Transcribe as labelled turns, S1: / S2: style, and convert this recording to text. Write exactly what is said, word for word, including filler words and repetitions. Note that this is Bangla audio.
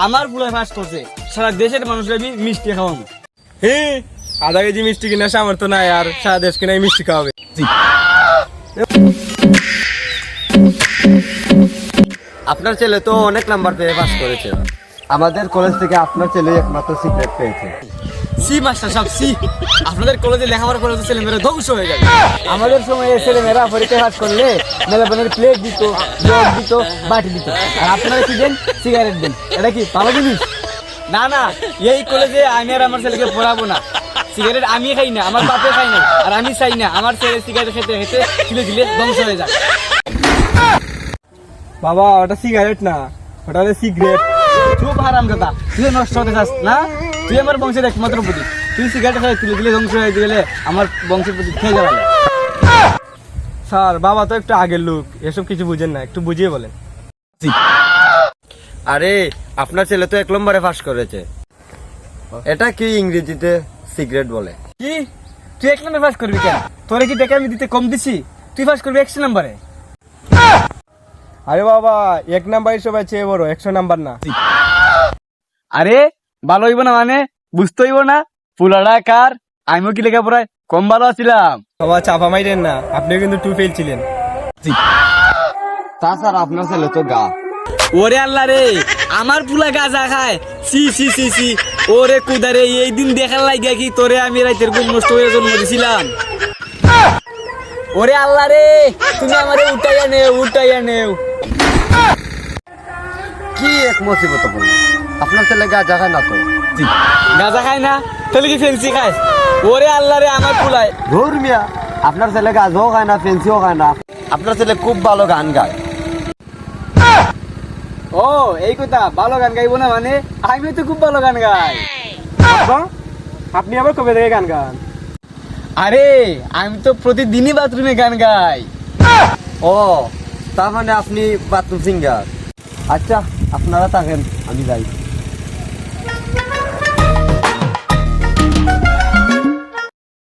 S1: আমার পুলায় ফাঁস করছে, সারা দেশের মানুষরা মিষ্টি খাওয়াবো।
S2: হ্যাঁ, আধা কেজি মিষ্টি কিনা সামর্থ্য নাই আর সারা দেশ কিনা মিষ্টি খাওয়াবে।
S3: আপনার ছেলে তো অনেক নাম্বার পেয়ে পাস করেছে। আমাদের কলেজ থেকে আপনার ছেলে একমাত্র সিক্রেট পেয়েছে।
S1: সি মাস্টার সাহেব, সি আপনাদের কলেজে লেখাপড়া করে তো ছেলেমেয়েরা ধ্বংস হয়ে যাবে। আমাদের সময় ছেলেমেয়েরা পরীক্ষায় পাস করলে মেলাপনের প্লেট দিত, জগ দিত, বাটি দিত, আর আপনারা কি দেন? সিগারেট দেন। এটা কি ভালো জিনিস? না না, এই কলেজে আমি আর আমার ছেলেকে পড়াবো না। সিগারেট আমি খাই না, আমার বাপে খাই না, আর আমি চাই না আমার ছেলে সিগারেট খেতে খেতে ধীরে ধীরে ধ্বংস হয়ে যায়।
S2: বাবা, ওটা সিগারেট না, ওটা হলো সিগারেট।
S1: চুপ হারাম দাদা, তুই নষ্ট হতে চাস না? তুই আমার বংশের একমাত্র প্রতীক। তুই সিগারেট খাই তুলে দিলে ধ্বংস হয়ে গেলে আমার বংশের প্রতীক খেয়ে যাবে।
S2: স্যার, বাবা তো একটু আগের লোক, এসব কিছু বুঝেন না, একটু বুঝিয়ে বলেন।
S3: আরে আপনার ছেলে তো এক নম্বরে পাস করেছে। এটা কি ইংরেজিতে সিগারেট বলে।
S1: কি তুই এক নম্বরে পাস করবি কেন? তোরে কি টাকা আমি দিতে কম দিছি? তুই পাস করবি একশো নম্বরে।
S2: আরে বাবা, এক নাম্বার সবাই চেয়ে বড়, একশো নাম্বার না।
S1: আরে ভালো হইব না মানে? বুঝতে হইব না পুলাটা কার? আমিও কি লেখাপড়ায় কম ভালো আছিলাম?
S2: বাবা, চাপা মাইরেন না, আপনিও কিন্তু টু ফেল ছিলেন।
S3: তাছাড়া আপনার ছেলে তো গা।
S1: ওরে আল্লাহ রে, আমার পুলা গাঁজা খায়। সি সি সি সি ওরে কুদারে, এই দিন দেখার লাগিয়া কি তোরে আমি রাইতের ঘুম নষ্ট হয়ে জন্ম দিছিলাম? ওরে আল্লাহ রে, তুমি আমারে উঠাইয়া নেও, উঠাইয়া নেও।
S3: কি এক মুসিবত বলল। আপনার ছেলে গাঁজা খায় না তো?
S1: গাঁজা খায় না, তাহলে কি ফেন্সি খায়? ওরে আল্লাহ রে, আমার পুলায়।
S3: ধুর মিয়া, আপনার ছেলে গাঁজাও খায় না, ফেন্সিও খায় না। আপনার ছেলে খুব ভালো গান গায়।
S1: ও এই কথা, ভালো গান গাইবো না মানে? আমি তো খুব ভালো গান গাই।
S2: বাবা, আপনি আবার কবে থেকে গান গান?
S1: আরে আমি তো প্রতিদিনই বাথরুমে গান গাই।
S3: ও, তার মানে আপনি বাথরুম সিঙ্গার। আচ্ছা, আপনারা থাকেন, আমি যাই।